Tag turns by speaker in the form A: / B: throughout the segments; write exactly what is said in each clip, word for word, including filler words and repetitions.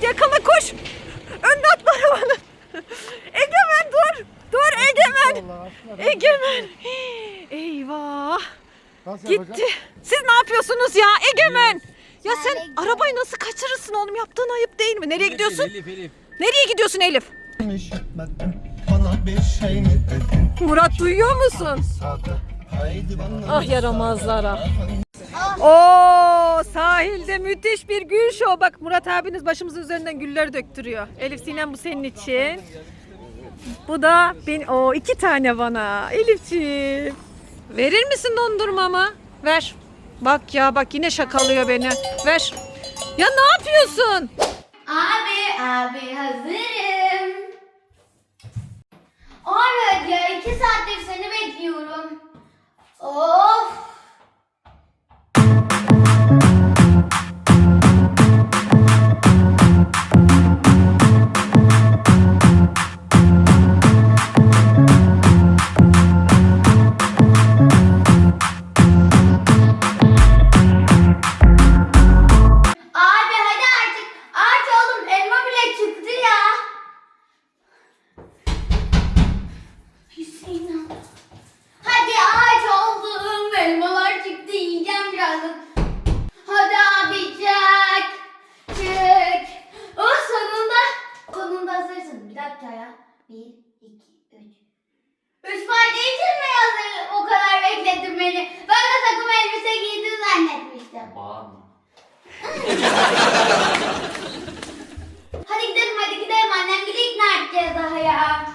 A: yakala koş. Önüne atma arabanın. Egemen dur. Dur Egemen. Egemen. Eyvah. Gitti. Siz ne yapıyorsunuz ya Egemen? Ya sen arabayı nasıl kaçırırsın oğlum? Yaptığın ayıp değil mi? Nereye gidiyorsun?
B: Elif, Elif.
A: Nereye gidiyorsun Elif? Murat duyuyor musun? Ah yaramazlara. Oo sahilde müthiş bir gül şovu. Bak Murat abiniz başımızın üzerinden güller döktürüyor. Elif Sinem bu senin için. Bu da ben o iki tane bana. Elifciğim. Verir misin dondurmamı? Ver. Bak ya bak yine şakalıyor beni. Ver. Ya ne yapıyorsun?
C: Abi, abi hazırım. Abi ya iki saattir seni bekliyorum. Of. Abi hadi artık. Aç oğlum elma bile çıktı ya. Hüseyin abi. Hadi aç oldum. Elmalar çıktı yiyeceğim birazdan. Hadi abi çık. Çık. Oh sonunda. Sonunda hazırsın. Bir dakika ya. Bir, iki, üç. Üç parça için mi hazır? O kadar beklettin beni. Ben de takım elbise giydin zannetmiştim.
B: Bağırma.
C: Hadi gidelim hadi gidelim annem bile ikna edeceğiz daha ya.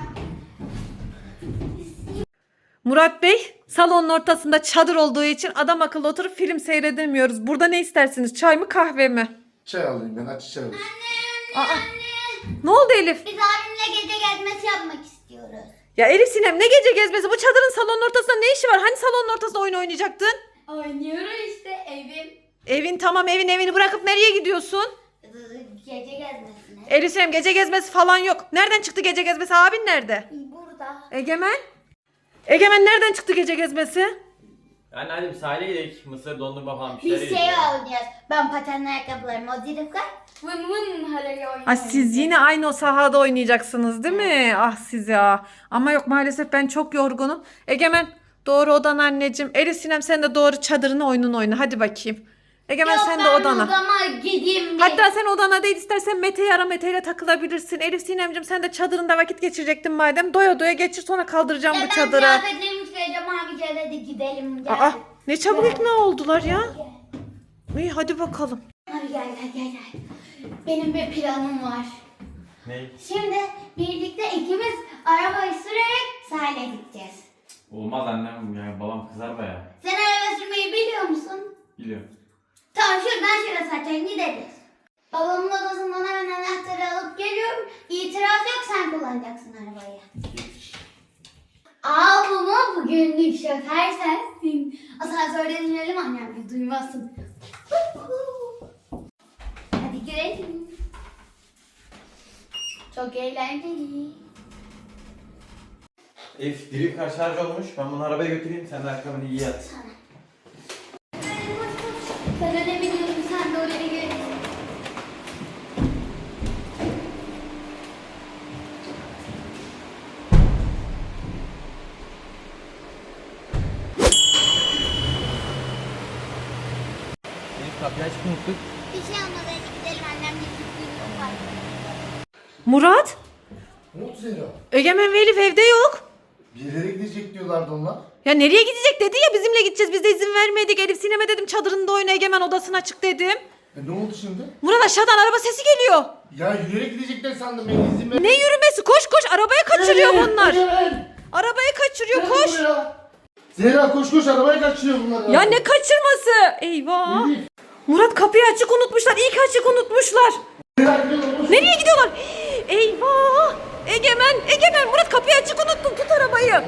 A: Murat Bey salonun ortasında çadır olduğu için adam akıllı oturup film seyredemiyoruz. Burada ne istersiniz? Çay mı kahve mi?
D: Çay alayım ben, aç çay alayım.
A: Aa,
C: Anne.
A: ne oldu Elif?
C: Biz abimle gece gezmesi yapmak istiyoruz.
A: Ya Elif Sinem ne gece gezmesi? Bu çadırın salonun ortasında ne işi var? Hani salonun ortasında oyun oynayacaktın?
C: Oynuyoruz işte evim.
A: Evin tamam evin evini bırakıp nereye gidiyorsun?
C: Gece gezmesine.
A: Elif Sinem gece gezmesi falan yok. Nereden çıktı gece gezmesi? Abin nerede?
C: Burada.
A: Egemen? Egemen nereden çıktı gece gezmesi?
B: Yani hadi bir sahile gidelim. Mısır dondurma falan bir
C: Biz
B: şeyler
C: şey
B: yiyelim.
C: oynayacağız. Ben patenli ayakkabılarımı o zirifler. Vın vın harayı oynayacağız.
A: Ay siz yine aynı o sahada oynayacaksınız değil mi? Ah siz ya. Ama yok maalesef ben çok yorgunum. Egemen doğru odana anneciğim. Elif Sinem sen de doğru çadırına oyunun oyna. Hadi bakayım. Egemen
C: Yok,
A: sen de
C: ben
A: odana.
C: odama gideyim bir.
A: Hatta sen odana değil istersen Mete'yi ara Mete'yle takılabilirsin. Elif Sinemciğim sen de çadırında vakit geçirecektin madem. Doya doya geçir sonra kaldıracağım
C: Ya
A: bu
C: ben
A: çadıra.
C: kıyafetlerimi çıkaracağım abi gel hadi gidelim. Gel.
A: Aa ne çabuk
C: Gel.
A: ikna oldular ya.
C: Gel.
A: İyi hadi bakalım.
C: Abi gel gel gel gel. Benim bir planım var.
B: Ne?
C: Şimdi birlikte ikimiz arabayı sürerek sahile gideceğiz.
B: Olmaz annem yani babam kızar baya.
C: Sen araba sürmeyi biliyor musun?
B: Biliyorum.
C: Tamam şuradan şuraya zaten gideriz. Babamın odasından hemen anahtarı alıp geliyorum. İtiraz yok sen kullanacaksın arabayı. Al bunu bugünlük şoför sensin. Asansörde inelim annem bir duymasın. Hadi girelim. Çok eğlenceli.
B: Elif diri kaç şarj olmuş. Ben bunu arabaya götüreyim. Sen de ayakkabını iyi at.
C: Sana. Ben öyle biliyorum sen de oraya gel.
B: Elif kapıyı açıp unuttuk.
C: Bir şey olmaz hadi gidelim annemle gittiğimiz var.
A: Murat?
D: Ne oldu Zehra?
A: Egemen ve Elif evde yok.
D: Bir yere gidecek diyorlardı onlar.
A: Ya nereye gidecek dedi ya bizimle gideceğiz. Biz de izin vermedik. Elif Sinem'e dedim çadırında oyna Egemen odasına çık dedim.
D: E ne oldu şimdi?
A: Murat aşağıdan araba sesi geliyor.
D: Ya yürüyerek gidecekler sandım ben, izin ver.
A: Ne yürümesi? Koş koş arabaya kaçırıyor
D: Evet,
A: bunlar.
D: evet.
A: Arabayı kaçırıyor
D: Gel
A: koş.
D: buraya. Zehra koş koş, arabayı kaçırıyor bunlar.
A: Ya ne kaçırması? Eyvah.
D: Elif.
A: Murat kapıyı açık unutmuşlar. İyi ki açık unutmuşlar.
D: Zehra gidiyorlar, koş.
A: Nereye gidiyorlar? Eyvah. Egemen, Egemen Murat kapıyı açık unuttun. Tut arabayı.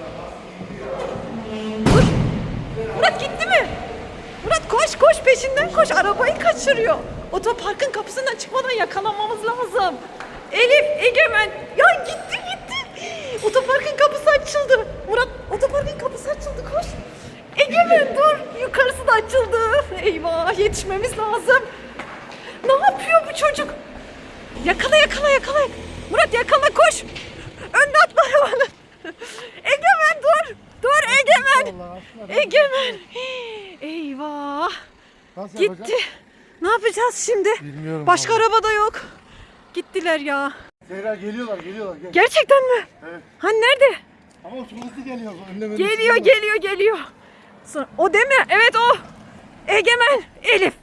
A: Dur. Murat gitti mi? Murat koş koş peşinden koş. Arabayı kaçırıyor. Otoparkın kapısından çıkmadan yakalamamız lazım. Elif, Egemen. Ya gitti gitti. Otoparkın kapısı açıldı. Murat otoparkın kapısı açıldı koş. Egemen dur. Yukarısı da açıldı. Eyvah yetişmemiz lazım. Ne yapıyor bu çocuk? Yakala yakala yakala. Murat yakala koş. Önüne atma arabanın. Egemen dur. Dur Egemen.
D: Allah aşkına.
A: Egemen. Eyvah.
D: Nasıl
A: Gitti.
D: yapacağız?
A: Ne yapacağız şimdi?
D: Bilmiyorum.
A: Başka
D: vallahi.
A: araba da yok. Gittiler ya.
D: Zehra geliyorlar geliyorlar. Gel.
A: Gerçekten mi?
D: Evet.
A: Hani nerede?
D: Ama çok hızlı geliyor. Önlem
A: Geliyor geliyor geliyor. Sonra- O değil mi? Evet o. Egemen, Elif.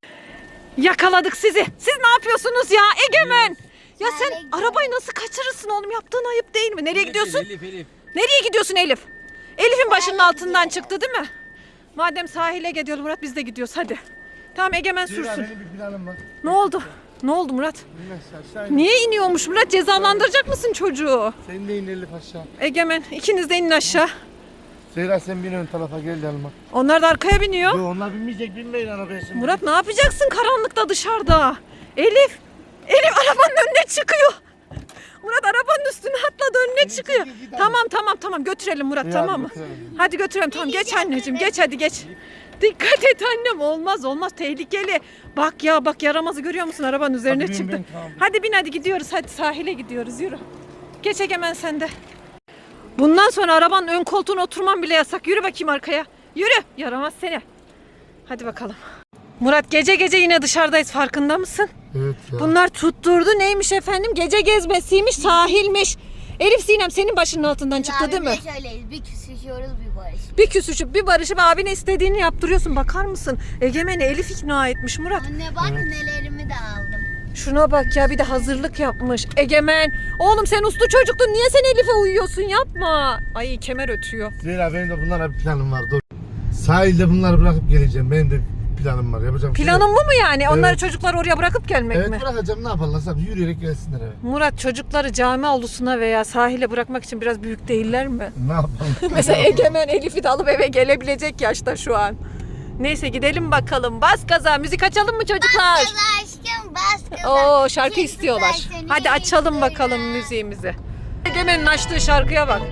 A: Yakaladık sizi. Siz ne yapıyorsunuz ya Egemen? Ya sen
C: Nereye
A: arabayı nasıl kaçırırsın oğlum? Yaptığın ayıp değil mi? Nereye gidiyorsun?
B: Elif Elif.
A: Nereye gidiyorsun Elif? Elif'in başının altından çıktı değil mi? Madem sahile gidiyor Murat biz de gidiyoruz hadi. Tamam Egemen
D: Zehra
A: sürsün.
D: benim bir planım var.
A: Ne oldu? Ne oldu Murat?
D: Bilmez aşağı in.
A: Niye iniyormuş Murat? Cezalandıracak mısın çocuğu?
D: Sen de in Elif aşağı.
A: Egemen ikiniz de inin aşağı.
D: Zehra sen bin ön tarafa gel yanıma.
A: Onlar da arkaya biniyor.
D: Yo onlar binmeyecek binmeyin arabaya şimdi.
A: Murat ne yapacaksın karanlıkta dışarıda? Elif, Elif arabanın önüne çıkıyor. Murat arabanın üstüne atladı önüne çıkıyor.
D: çekil, git
A: Tamam tamam tamam götürelim Murat
D: İyi,
A: tamam
D: hadi
A: mı?
D: götürelim.
A: Hadi götürelim tamam geç anneciğim geç hadi geç. Dikkat et annem olmaz olmaz tehlikeli. Bak ya bak yaramazı görüyor musun arabanın üzerine
D: Hadi bin,
A: çıktı.
D: bin, tamam.
A: Hadi bin hadi gidiyoruz hadi sahile gidiyoruz yürü. Geç Egemen sen de. Bundan sonra arabanın ön koltuğuna oturman bile yasak. Yürü bakayım arkaya. Yürü. Yaramaz seni. Hadi bakalım. Murat gece gece yine dışarıdayız farkında mısın?
D: Evet ya.
A: Bunlar tutturdu neymiş efendim? Gece gezmesiymiş, sahilmiş. Elif Sinem senin başının altından çıktı değil mi?
C: Abimle şöyleyiz. Bir küsüşüyoruz bir barış.
A: Bir küsüşüp bir barışıp abine istediğini yaptırıyorsun. Bakar mısın? Egemen'i Elif ikna etmiş Murat.
C: Anne bak nelerimi de aldım.
A: Şuna bak ya bir de hazırlık yapmış. Egemen. Oğlum sen uslu çocuktun. Niye sen Elif'e uyuyorsun? Yapma. Ay kemer ötüyor.
D: Zehra benim de bunlara bir planım var. Dur. Sahilde bunları bırakıp geleceğim. Benim de bir planım var. Yapacağım şey yok.
A: Planın bu mu yani? Onları
D: Evet.
A: çocukları oraya bırakıp gelmek
D: Evet
A: mi?
D: bırakacağım ne yaparlarsa yürüyerek gelsinler eve.
A: Murat çocukları cami avlusuna veya sahile bırakmak için biraz büyük değiller mi?
D: Ne yapalım?
A: Mesela Egemen Elif'i de alıp eve gelebilecek yaşta şu an. Neyse gidelim bakalım. Bas gaza. Müzik açalım mı çocuklar?
C: Bas gaza aşkım bas gaza.
A: Oo şarkı
C: Çocuklar
A: istiyorlar.
C: seni
A: Hadi açalım
C: istiyor.
A: bakalım müziğimizi. Egemen'in açtığı şarkıya bak.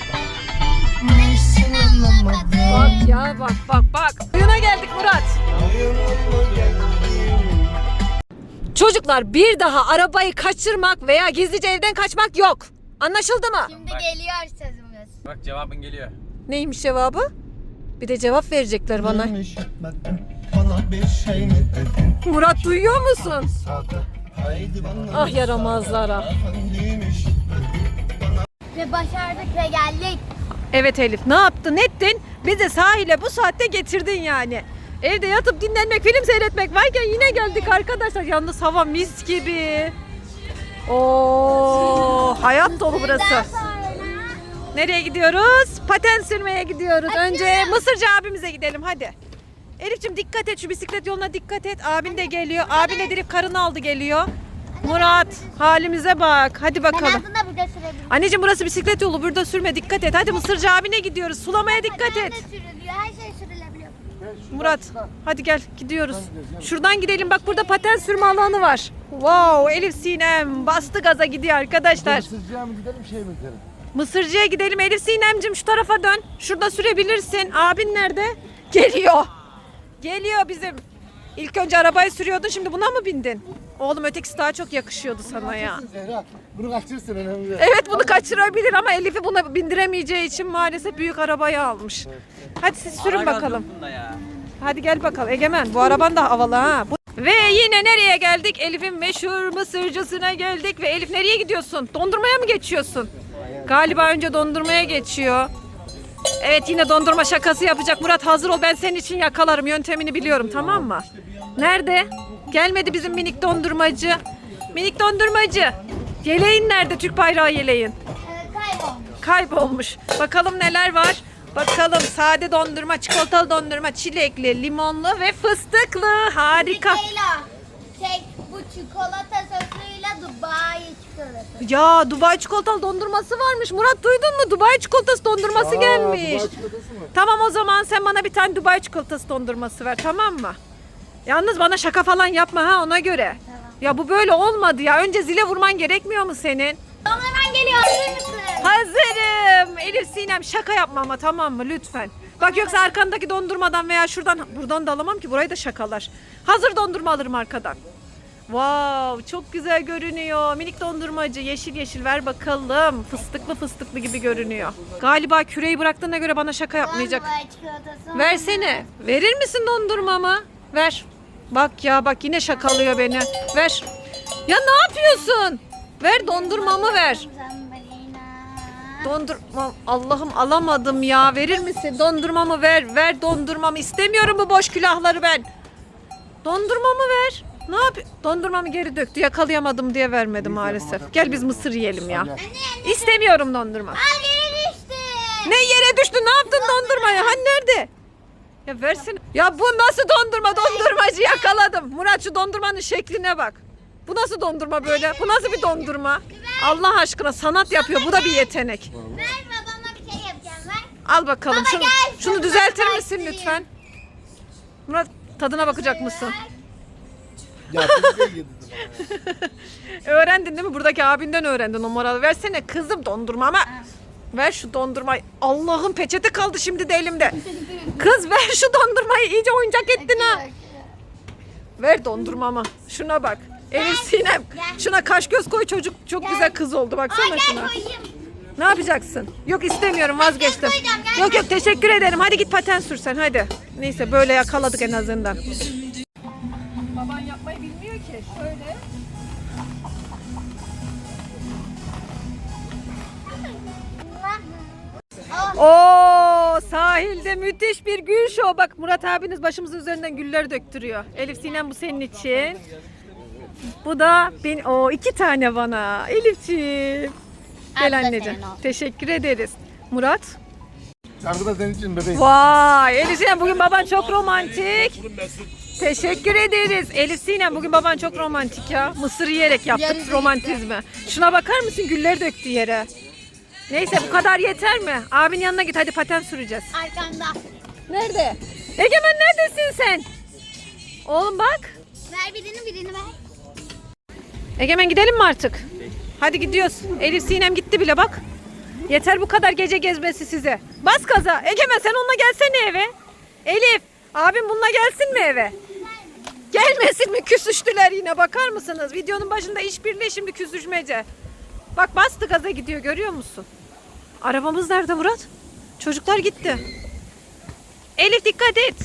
A: Bak ya bak bak bak. Oyuna geldik Murat. Çocuklar bir daha arabayı kaçırmak veya gizlice evden kaçmak yok. Anlaşıldı mı?
C: Şimdi geliyor sözümüz.
B: Bak cevabın geliyor.
A: Neymiş cevabı? Bir de cevap verecekler bana.
D: Bana bir şey mi dedin?
A: Murat duyuyor musun?
D: Haydi bana
A: Ah yaramazlara.
C: Ve başardık ve geldik.
A: Evet Elif ne yaptın ettin? Bizi sahile bu saatte getirdin yani. Evde yatıp dinlenmek, film seyretmek varken yine geldik arkadaşlar. Yalnız hava mis gibi. Oo, hayat dolu burası. Nereye gidiyoruz? Paten sürmeye gidiyoruz. Önce Mısırcı abimize gidelim hadi. Elif'ciğim dikkat et şu bisiklet yoluna dikkat et. Abin de geliyor. Abin de direkt karını aldı geliyor. Murat halimize bak. Hadi
C: Ben
A: bakalım.
C: aslında burada sürebilirim.
A: Anneciğim burası bisiklet yolu. Burada sürme dikkat et. Hadi Mısırcı abine gidiyoruz. Sulamaya dikkat
C: Ben
A: et.
C: de sürülüyor. Her şey sürülebiliyor.
A: Murat hadi gel gidiyoruz. Şuradan gidelim bak burada paten sürme alanı var. Wow Elif Sinem bastı gaza gidiyor arkadaşlar.
D: Mısırcıya mı gidelim şey mi gidelim?
A: Mısırcıya gidelim Elif Sinemcim şu tarafa dön. Şurada sürebilirsin. Abin nerede? Geliyor. Geliyor bizim. İlk önce arabayı sürüyordun şimdi buna mı bindin? Oğlum ötekisi daha çok yakışıyordu sana ya.
D: Zehra bunu kaçırsın önemli değil.
A: Evet bunu kaçırabilir ama Elif'i buna bindiremeyeceği için maalesef büyük arabayı almış. Hadi siz sürün bakalım. Hadi gel bakalım. Egemen bu araban da havalı ha. Bu... Ve yine nereye geldik? Elif'in meşhur mısırcısına geldik. Ve Elif nereye gidiyorsun? Dondurmaya mı geçiyorsun? Galiba önce dondurmaya geçiyor. Evet yine dondurma şakası yapacak. Murat hazır ol ben senin için yakalarım. Yöntemini biliyorum tamam mı? Nerede? Gelmedi bizim minik dondurmacı. Minik dondurmacı. Yeleğin nerede? Türk bayrağı yeleğin.
C: Ee, kaybolmuş.
A: Kaybolmuş. Bakalım neler var. Bakalım sade dondurma, çikolatalı dondurma, çilekli, limonlu ve fıstıklı. Harika.
C: Leyla, şey bu çikolata sosuyla Dubai çikolatası.
A: Ya Dubai çikolatalı dondurması varmış. Murat duydun mu? Dubai çikolatası dondurması
D: Aa,
A: gelmiş.
D: Dubai çikolatası mı?
A: Tamam o zaman sen bana bir tane Dubai çikolatası dondurması ver tamam mı? Yalnız bana şaka falan yapma ha ona göre.
C: Tamam.
A: Ya bu böyle olmadı ya. Önce zile vurman gerekmiyor mu senin?
C: Tamam hemen geliyor. Hazır mısın?
A: Hazırım. Elif Sinem şaka yapma ama tamam mı lütfen. Bak yoksa arkandaki dondurmadan veya şuradan buradan da alamam ki burayı da şakalar. Hazır dondurma alırım arkadan. Wow, çok güzel görünüyor. Minik dondurmacı yeşil yeşil ver bakalım. Fıstıklı fıstıklı gibi görünüyor. Galiba küreyi bıraktığına göre bana şaka yapmayacak.
C: Var çikolatası.
A: Versene. Verir misin dondurmamı? Ver. Bak ya bak yine şakalıyor beni. Ver. Ya ne yapıyorsun? Ver dondurmamı ver.
C: Zambalina.
A: Dondurma Allah'ım alamadım ya. Verir misin? Dondurmamı ver. Ver dondurmamı. İstemiyorum bu boş külahları ben. Dondurmamı ver. Ne yap? Dondurmamı geri döktü. Yakalayamadım diye vermedi maalesef. Gel biz mısır yiyelim ya. İstemiyorum dondurma.
C: Al yere düştü.
A: Ne yere düştü? Ne yaptın dondurmaya? Hani nerede? Ya versin. Ya bu nasıl dondurma? Dondurmacı yakaladım. Murat şu dondurmanın şekline bak. Bu nasıl dondurma böyle? Bu nasıl bir dondurma? Allah aşkına sanat yapıyor. Bu da bir yetenek.
C: Ver babama bir şey yapacağım ver.
A: Al bakalım.
C: Baba
A: Şunu,
C: gel,
A: şunu
C: tadına
A: düzeltir misin
C: bakayım.
A: lütfen? Murat tadına bakacak mısın?
D: Ya bir şey yedirdim.
A: Öğrendin değil mi? Buradaki abinden öğrendin o moralı. Versene kızım dondurmamı. Ver şu dondurmayı. Allah'ım peçete kaldı şimdi de elimde. Kız ver şu dondurmayı. İyice oyuncak ettin ha. Ver dondurmamı. Şuna bak. Elif Sinem. Şuna kaş göz koy çocuk. Çok güzel kız oldu. Baksana
C: Gel
A: şuna.
C: koyayım.
A: Ne yapacaksın? Yok istemiyorum vazgeçtim.
C: koyacağım, gel.
A: Yok yok teşekkür ederim. Hadi git paten sürsen hadi. Neyse böyle yakaladık en azından. Baban yapmayı bilmiyor ki. Şöyle. Oo sahilde müthiş bir gül şovu. Bak Murat abiniz başımızın üzerinden güller döktürüyor. Elif Sinem bu senin için. Bu da ben o iki tane bana. Elifciğim. Gel
C: Al da
A: anneciğim.
C: senin olsun.
A: Teşekkür ederiz. Murat.
D: Şarkı da senin için bebeğim.
A: Vay Elif Sinem bugün baban çok romantik. Teşekkür ederiz. Elif Sinem bugün baban çok romantik ya. Mısır yiyerek yaptık
C: Yarısı
A: romantizmi. Şuna bakar mısın güller döktü yere. Neyse bu kadar yeter mi? Abinin yanına git hadi paten süreceğiz.
C: Arkanda.
A: Nerede? Egemen neredesin sen? Oğlum bak.
C: Ver birini birini ver.
A: Egemen gidelim mi artık? Hadi gidiyoruz. Elif Sinem gitti bile bak. Yeter bu kadar gece gezmesi size. Bas gaza. Egemen sen onunla gelsene eve. Elif abim bununla gelsin mi eve? Gelmesin mi? Küsüştüler yine bakar mısınız? Videonun başında işbirliği şimdi küsüşmece. Bak bastı gaza gidiyor görüyor musun? Arabamız nerede Murat? Çocuklar gitti. Elif dikkat et.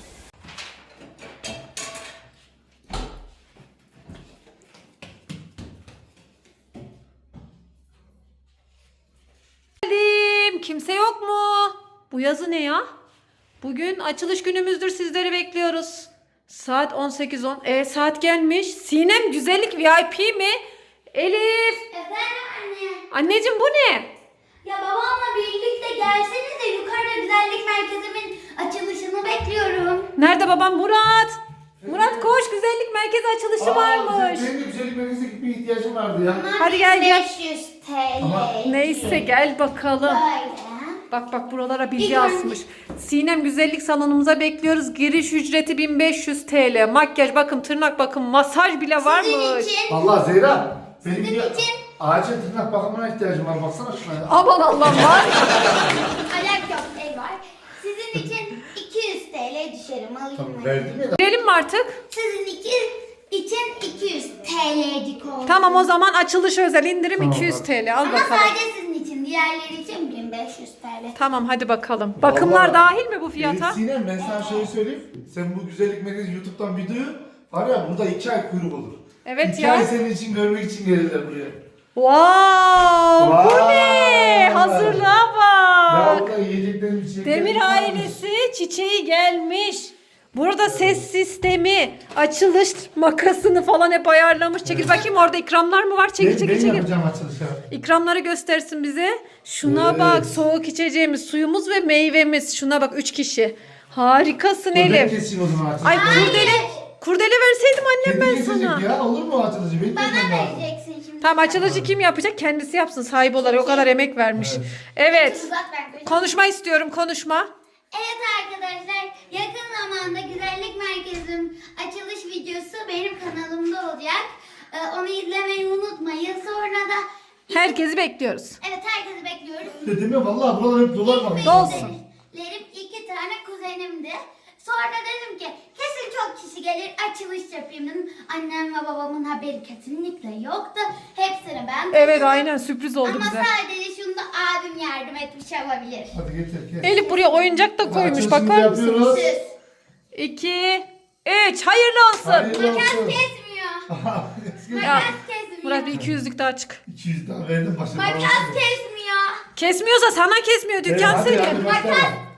A: Geldim. Kimse yok mu? Bu yazı ne ya? Bugün açılış günümüzdür sizleri bekliyoruz. Saat on sekiz on. E saat gelmiş. Sinem güzellik V I P mi? Elif.
C: Efendim anne.
A: Anneciğim bu ne?
C: Ya babamla birlikte gelseniz de yukarıda güzellik merkezimin açılışını bekliyorum.
A: Nerede babam? Murat. Murat koş güzellik merkezi açılışı varmış.
D: Benim de güzellik merkezine gitmeye ihtiyacım vardı ya.
A: Hadi gel, gel.
C: beş yüz T L.
D: Ama-
A: Neyse gel bakalım.
C: Böyle.
A: Bak bak buralara bilgi
C: İlk önce-
A: asmış. Sinem güzellik salonumuza bekliyoruz. Giriş ücreti bin beş yüz T L. Makyaj bakım, tırnak bakım, masaj bile varmış.
C: Sizin için.
D: Vallahi Zehra. Benim
C: Sizin
D: bir
C: için.
D: acil tırnak bakımına ihtiyacım var. Baksana şuna ya.
A: Aman Allah'ım var.
C: Ayak yok el var. Sizin için iki yüz T L düşerim alayım
D: Tamam
C: mı?
D: verdim ya da.
A: Girelim mi artık?
C: Sizin iki, için iki yüz T L'cik oldu.
A: Tamam o zaman açılış özel indirim
D: Tamam,
A: iki yüz
D: bak.
A: T L. Al
C: Ama
A: bakalım.
C: sadece sizin için. Diğerleri için bin beş yüz T L.
A: Tamam hadi bakalım. Bakımlar
D: Vallahi-
A: dahil mi bu fiyata?
D: Elif Sinem ben sana şöyle söyleyeyim. Sen bu güzellik merkezi YouTube'dan videoyu var ya burada iki ay kuyruk olur.
A: Evet
D: iki
A: ya.
D: ay senin için görmek için gelirler buraya.
A: Wow, bu
D: Vay.
A: ne? Hazırlığa
D: Ya
A: bak.
D: orada yiyeceklerim içeceklerim.
A: Demir
D: varmış.
A: ailesi çiçeği gelmiş. Burada ses sistemi, açılış makasını falan hep ayarlamış. Çekil bakayım orada ikramlar mı var? Çekil
D: Ben,
A: çekil
D: ben
A: çekil.
D: yapacağım açılışı.
A: İkramları göstersin bize. Şuna
D: Evet.
A: bak soğuk içeceğimiz, suyumuz ve meyvemiz. Şuna bak üç kişi. Harikasın
D: Ben
A: Elif.
D: keseyim o zaman açılışı.
A: Ay kurdele, kurdele verseydim annem
D: Kendi
A: ben
D: kesecek
A: sana.
D: ya olur mu o açılışı? Benim
C: Bana
D: kesmem lazım.
C: vereceksin şimdi.
A: Tamam açılışı kim yapacak? Kendisi yapsın sahibi olarak. O kadar emek vermiş. Evet.
C: Uzat ben koyacağım.
A: Konuşma istiyorum konuşma.
C: Evet arkadaşlar, yakın zamanda güzellik merkezim açılış videosu benim kanalımda olacak. Ee, onu izlemeyi unutmayın. Sonra da
A: Herkesi bekliyoruz.
C: evet herkesi bekliyorum.
D: Dedim ya vallahi buralar hep dolar bak.
A: Dolsun.
C: Lerim iki tane kuzenimdi. Sonra dedim ki kesin çok kişi gelir açılış yapayım dedim. Annem ve babamın haberi kesinlikle yoktu. Hepsini ben
A: Evet
C: taşıdım.
A: aynen sürpriz oldu
C: Ama
A: bize.
C: sadece şunda abim yardım etmiş olabilir.
D: Hadi getir kes.
A: Elif buraya oyuncak da koymuş,
D: Açılışını
A: bakar mısınız?
D: yapıyoruz.
C: Siz.
A: iki, üç, hayırlı olsun.
D: Hayırlı
C: Makas
D: olsun.
C: kesmiyor.
A: Ya,
C: Makas kesmiyor.
A: Murat bir iki yüzlük daha çık.
D: iki yüz daha verdim başına.
C: Makas kesmiyor.
A: Kesmiyorsa sana kesmiyor, dükkan
D: hadi,
A: senin.
D: hadi başla.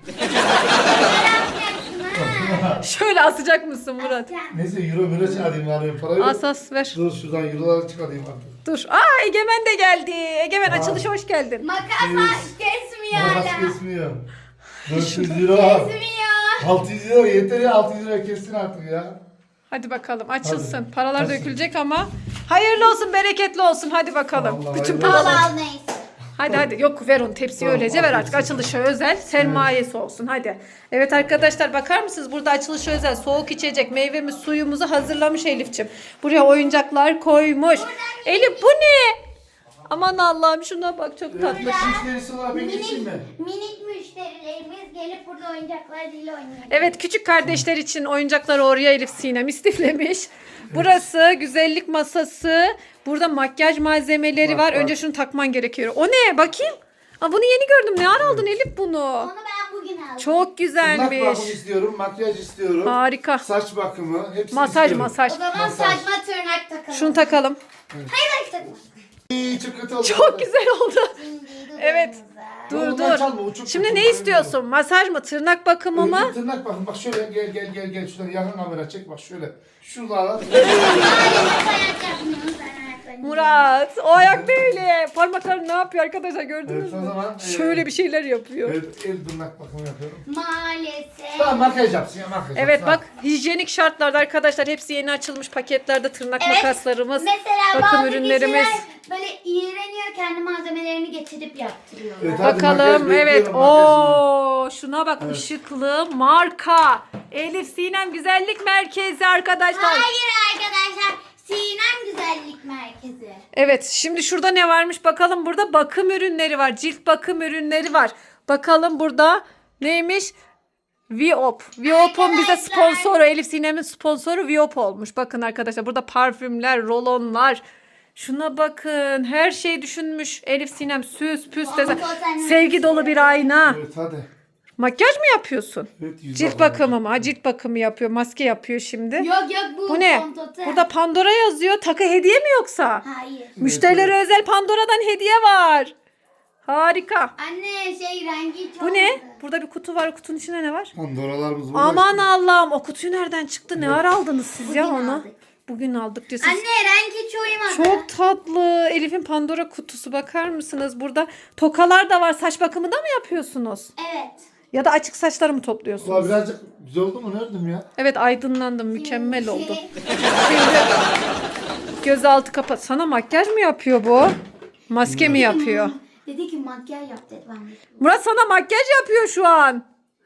C: Makas kesmiyor.
A: Şöyle asacak mısın Murat?
D: Neyse euro euro çıkarayım var parayı.
A: As as ver.
D: Dur şuradan euroları çıkarayım artık.
A: Dur. Aa Egemen de geldi. Egemen açılışa hoş geldin.
C: Makas kesmiyor
D: Makas
C: hala.
D: kesmiyor. dört yüz euro.
C: Kesmiyor.
D: altı yüz euro yeter ya altı yüz euro kessin artık ya.
A: Hadi bakalım açılsın.
D: Hadi.
A: Paralar
D: Açsın.
A: dökülecek ama hayırlı olsun, bereketli olsun. Hadi bakalım.
D: Vallahi
A: Bütün
D: hayırlı
C: Al
A: paralar.
C: al neyse.
A: Hadi hadi. Yok ver onu tepsiye
D: Tamam,
A: öylece ver
D: afiyet
A: artık.
D: olsun.
A: Açılışa özel sermayesi olsun. Hadi. Evet arkadaşlar bakar mısınız? Burada açılışa özel soğuk içecek meyvemiz suyumuzu hazırlamış Elifçim. Buraya oyuncaklar koymuş. Elif bu ne? Aman Allah'ım şuna bak çok tatlı.
D: Müşterisi olarak ben geçeyim mi?
C: Minik, minik müşterilerimiz gelip burada oyuncaklarıyla oynuyor.
A: Evet küçük kardeşler için oyuncakları oraya Elif Sinem istiflemiş. Burası güzellik masası. Burada makyaj malzemeleri
D: Bak,
A: var.
D: bak.
A: Önce şunu takman gerekiyor. O ne? Bakayım. Aa, bunu yeni gördüm. Ne ara aldın Elif bunu?
C: Onu ben bugün aldım.
A: Çok
D: Tırnak
A: güzelmiş.
D: bakımı istiyorum, makyaj istiyorum.
A: Harika.
D: Saç bakımı, hepsini
A: Masaj
D: istiyorum.
A: masaj.
C: O zaman
D: Masaj.
C: saçma tırnak takalım.
A: Şunu takalım.
C: Hayır hayır takma.
D: İyi, çok kötü oldu.
A: Çok güzel oldu.
C: Şimdi
A: Evet.
C: dudağımıza.
A: Dur
D: Ondan
A: dur.
D: çalma, o çok
A: Şimdi
D: kötü,
A: ne
D: çok
A: istiyorsun? Masaj mı? Tırnak bakımı
D: Önce
A: mı?
D: tırnak bakın bak şöyle gel gel gel gel şuradan yakın kamera çek bak şöyle. Şuradan
C: Maalesef ayak yapmıyoruz ben ayaklarını.
A: Murat o ayak böyle. Parmakları ne yapıyor arkadaşlar gördünüz
D: Evet, o
A: mü?
D: zaman, e,
A: Şöyle bir şeyler yapıyor.
D: Evet, el tırnak bakımı yapıyorum.
C: Maalesef.
D: Tamam makyaj yapsın ya makyaj
A: Evet
D: yapsın.
A: bak hijyenik şartlarda arkadaşlar hepsi yeni açılmış paketlerde tırnak
C: Evet,
A: makaslarımız,
C: Mesela
A: bakım
C: bazı
A: ürünlerimiz.
C: kişiler böyle iğreniyor kendi malzemelerini getirip yaptırıyorlar.
D: Evet, hadi
A: Bakalım
D: makyaj
A: evet.
D: bekliyorum, makyajını.
A: Oo şuna bak
D: Evet.
A: ışıklı marka. Elif Sinem Güzellik Merkezi arkadaşlar.
C: Hayır arkadaşlar. Sinem Güzellik Merkezi.
A: Evet şimdi şurada ne varmış bakalım, burada bakım ürünleri var, cilt bakım ürünleri var. Bakalım burada neymiş? Viop. Viop'un bize
C: Arkadaşlar.
A: sponsoru, Elif Sinem'in sponsoru Viop olmuş. Bakın arkadaşlar burada parfümler, rolonlar. Şuna bakın her şey düşünmüş. Elif Sinem süs püs desen.
C: Fondöten.
A: Sevgi dolu bir ayna.
D: Evet hadi.
A: Makyaj mı yapıyorsun?
D: Evet, yüz
A: Cilt
D: bakımı.
A: bakımı mı? Ha, cilt bakımı yapıyor. Maske yapıyor şimdi.
C: Yok yok bu,
A: Bu ne?
C: fondöten.
A: Burada Pandora yazıyor. Takı hediye mi yoksa?
C: Hayır.
A: Müşterilere özel Pandora'dan hediye var. Harika.
C: Anne şey rengi çok
A: Bu ne?
C: güzel.
A: Burada bir kutu var. Kutunun içinde ne var?
D: Pandoralarımız burada.
A: Aman Allah'ım. O kutuyu nereden çıktı? Ne ara aldınız siz ya
C: Bugün
A: onu?
C: aldık.
A: Bugün aldık diyorsunuz.
C: Anne rengi hiç uyumadı.
A: Çok tatlı. Elif'in Pandora kutusu, bakar mısınız? Burada tokalar da var. Saç bakımı da mı yapıyorsunuz?
C: Evet.
A: Ya da açık saçları mı
D: Ulan
A: topluyorsunuz?
D: birazcık güzel oldu mu nereden ya?
A: Evet aydınlandım. Mükemmel
C: Şey,
A: oldu. Şimdi gözaltı kapat. Sana makyaj mı yapıyor bu? Maske mi yapıyor?
C: Dedi ki makyaj yap dedi ben de.
A: Murat sana makyaj yapıyor şu an.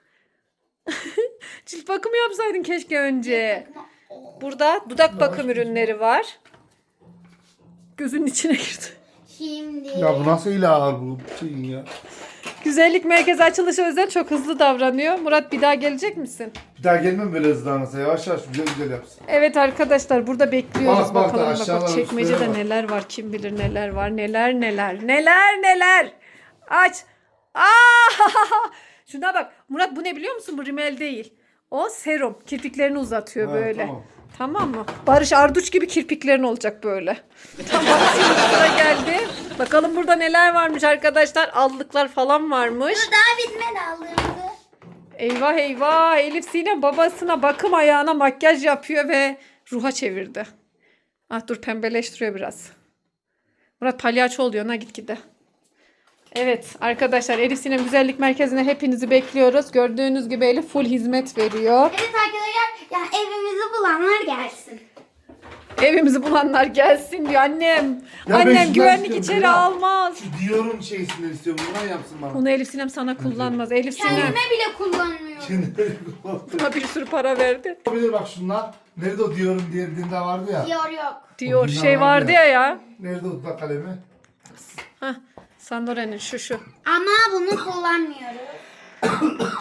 A: Cilt bakımı yapsaydın keşke önce. Burada dudak bakım ürünleri var. Gözünün içine girdi.
C: Şimdi.
D: Ya bu nasıl ilahi bu şeyin ya?
A: Güzellik merkezi açılışı özel çok hızlı davranıyor. Murat bir daha gelecek misin?
D: Bir daha gelmem böyle hızlanırsa yavaş yavaş güzel güzel yapsın.
A: Evet arkadaşlar burada bekliyoruz.
D: Bak, bak da
A: Bakalım bak,
D: aşağılara,
A: bak çekmecede
D: üstlere bak.
A: neler var, kim bilir neler var, neler neler neler neler. Aç. Aa! Şuna bak. Murat bu ne biliyor musun? Bu rimel değil. O serum. Kirpiklerini uzatıyor
D: Ha,
A: böyle.
D: tamam.
A: Tamam mı? Barış Arduç gibi kirpiklerin olacak böyle. Tamam şimdi sıra geldi. Bakalım burada neler varmış arkadaşlar. Allıklar falan varmış.
C: Dur daha bitmedi aldığımızı.
A: Eyvah eyvah. Elif Sinem babasına bakım ayağına makyaj yapıyor ve ruha çevirdi. Ah dur pembeleştiriyor biraz. Murat palyaço oluyor ha gitgide. Evet arkadaşlar Elif Sinem Güzellik Merkezi'ne hepinizi bekliyoruz. Gördüğünüz gibi Elif full hizmet veriyor.
C: Evet arkadaşlar ya evimizi bulanlar gelsin.
A: Evimizi bulanlar gelsin diyor annem.
D: Ya ben
A: annem
D: şundan
A: güvenlik
D: istiyorum,
A: içeri
D: Bela.
A: almaz.
D: Şu Dior'un şeysinden istiyorum bundan yapsın bana.
A: Bunu Elif Sinem sana kullanmaz. Elif Sinem
C: Kendime bile kullanmıyorum.
D: Şimdi
A: buna bir sürü para verdi.
D: olabilir bak şunlar. Nerede o Dior'un diğer dinde vardı ya.
C: Diyor yok.
A: Diyor
D: O
A: şey
D: günler
A: vardı
D: vardı
A: ya
D: ya.
A: ya.
D: Nerede o dudak kalemi?
A: Hah Sandore'nin şu şu.
C: Ama bunu kullanmıyoruz.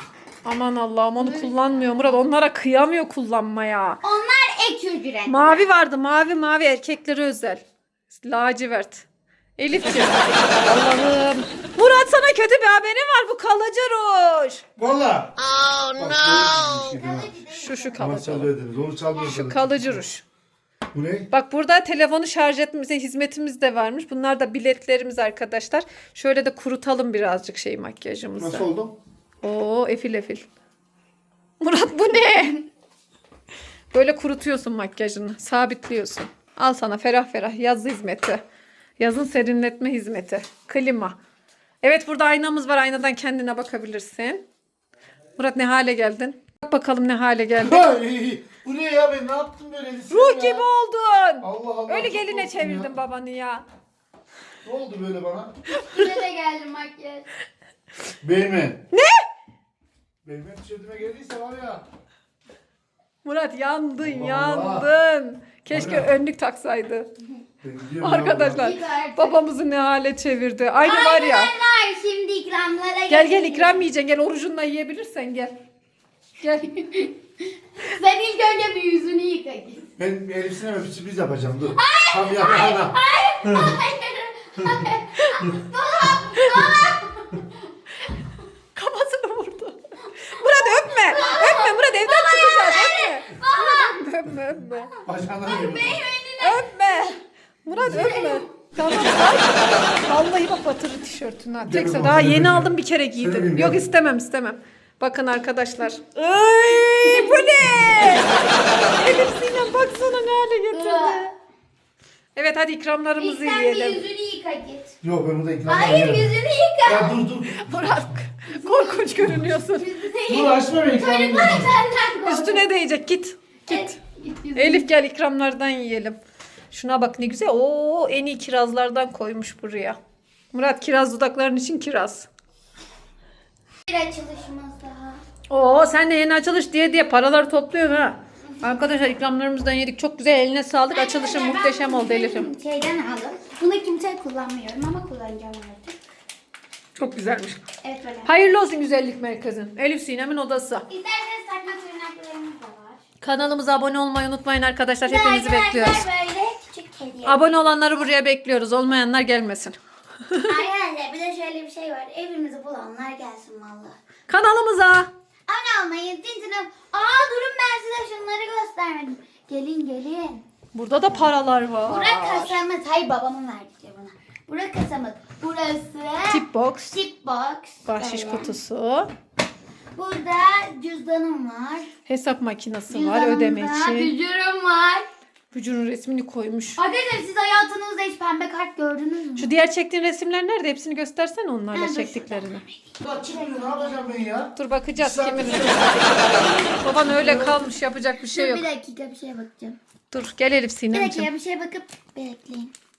A: Aman Allah'ım onu kullanmıyor Murat. Onlara kıyamıyor kullanmaya.
C: Onlar ek ücret.
A: Mavi vardı. Mavi mavi erkeklere özel. Lacivert. Elifciğim. Allah'ım. Murat sana kötü bir haberim var. Bu kalıcı ruj.
D: Valla. Oh no.
A: Şu şu
D: Ama
A: kalıcı.
D: çalıyordunuz. Onu çalmıyorsunuz.
A: Şu kalıcı ruj.
D: Bu ne?
A: Bak burada telefonu şarj etmemize hizmetimiz de varmış. Bunlar da biletlerimiz arkadaşlar. Şöyle de kurutalım birazcık şey makyajımızı.
D: Nasıl oldu?
A: Oo efil efil. Murat bu ne? Böyle kurutuyorsun makyajını. Sabitliyorsun. Al sana ferah ferah yaz hizmeti. Yazın serinletme hizmeti. Klima. Evet burada aynamız var. Aynadan kendine bakabilirsin. Murat ne hale geldin? Bak bakalım ne hale geldin.
D: Ay, bu ne ya, ben ne yaptım böyle? Elif'im
A: Ruh
D: ya?
A: gibi oldun.
D: Allah Allah.
A: Öyle
D: çok
A: geline
D: korktum
A: çevirdin
D: ya.
A: babanı ya.
D: Ne oldu böyle bana?
C: Size de geldi makyaj.
D: Beymen.
A: Ne?
D: Beymen tişörtüme geldiyse var ya.
A: Murat yandın
D: Allah
A: yandın. Keşke
D: Allah.
A: önlük taksaydı.
D: Ben gidiyorum ya
A: Arkadaşlar
C: Git artık.
A: babamızı ne hale çevirdi. Aynı var ya.
C: Arkadaşlar şimdi ikramlara
A: Gel gel
C: geçelim.
A: ikram yiyeceksin. Gel orucunla yiyebilirsen gel. Gel.
C: Sen ilk önce bir yüzünü yıka git.
D: buradan. Ben Elif Sinem'e bir sürpriz yapacağım, dur. Tam yapana.
A: Kafasını vurdu. Murat öpme. Öpme Murat evden çıkacağız. Öpme. Öpme öpme.
D: Bacağına veriyorum.
A: Öpme. Murat öpme. Tamam. Ay. Vallahi bak batırır tişörtünü. ha. Tekse
D: Gel
A: daha
D: bakalım.
A: yeni aldım bir kere giydim.
D: Seveyim,
A: Yok
D: gel.
A: istemem istemem. Bakın arkadaşlar. Ay bu ne? Elif Sinem baksana ne hale getirdi. Evet hadi
C: İlk
A: ikramlarımızı
C: sen bir
A: yiyelim.
C: yüzünü yıka git.
D: Yok, ben burada ikna
C: Hayır yüzünü yıka.
D: Ya dur dur.
A: Murat korkunç görünüyorsun.
C: Yüzünü
D: Dur açma beni, ikna
C: Çocuklar senden kork.
A: Üstüne değecek git. Git.
C: Evet, git yüzünü.
A: Elif gel ikramlardan yiyelim. Şuna bak ne güzel. Oo en iyi kirazlardan koymuş buraya. Murat kiraz dudakların için kiraz.
C: Bir açılışımız daha.
A: Oo sen de yeni açılış diye diye paraları topluyorsun ha. Arkadaşlar ikramlarımızdan yedik. Çok güzel eline sağlık. Açılışın
C: Arkadaşlar,
A: muhteşem
C: ben
A: oldu
C: bunu
A: Elif'im.
C: Şeyden aldım. Bunu kimse kullanmıyorum ama kullanacağım artık.
A: Çok güzelmiş.
C: Evet böyle.
A: Hayırlı olsun güzellik merkezin. Elif Sinem'in odası.
C: İsterseniz takma tırnaklarımız da var.
A: Kanalımıza abone olmayı unutmayın arkadaşlar. Hepinizi
C: Arkadaşlar,
A: bekliyoruz.
C: böyle küçük hediye.
A: Abone olanları buraya bekliyoruz. Olmayanlar gelmesin.
C: Arkadaşlar bir de şöyle bir şey var. Evimizi bulanlar gelsin valla.
A: Kanalımıza.
C: Abone olmayı, tintine... Aa durun ben size şunları göstermedim. Gelin gelin.
A: Burada da paralar var.
C: Burak kasamız. Hayır babamın verdiği bana. Burak kasamız. Burası.
A: Tip box.
C: Tip box.
A: Bahşiş
C: Böyle.
A: kutusu.
C: Burada cüzdanım var.
A: Hesap makinesi var
C: Cüzdanımda
A: ödeme için.
C: bücürüm var.
A: Vücudun resmini koymuş.
C: Arkadaşlar siz hayatınızda hiç pembe kart gördünüz mü?
A: Şu diğer çektiğin resimler nerede? Hepsini göstersene
C: Ha,
A: onlarla
C: dur
A: çektiklerini.
D: Ya çıkmıyor, ne yapacağım ben ya?
A: Dur bakacağız
D: Sen-
A: kimin. Baban öyle kalmış yapacak bir şey
C: Dur
A: yok.
C: bir dakika bir şeye bakacağım.
A: Dur gel Elif
C: Bir
A: Sinemciğim.
C: dakika bir şeye bakıp bekleyin.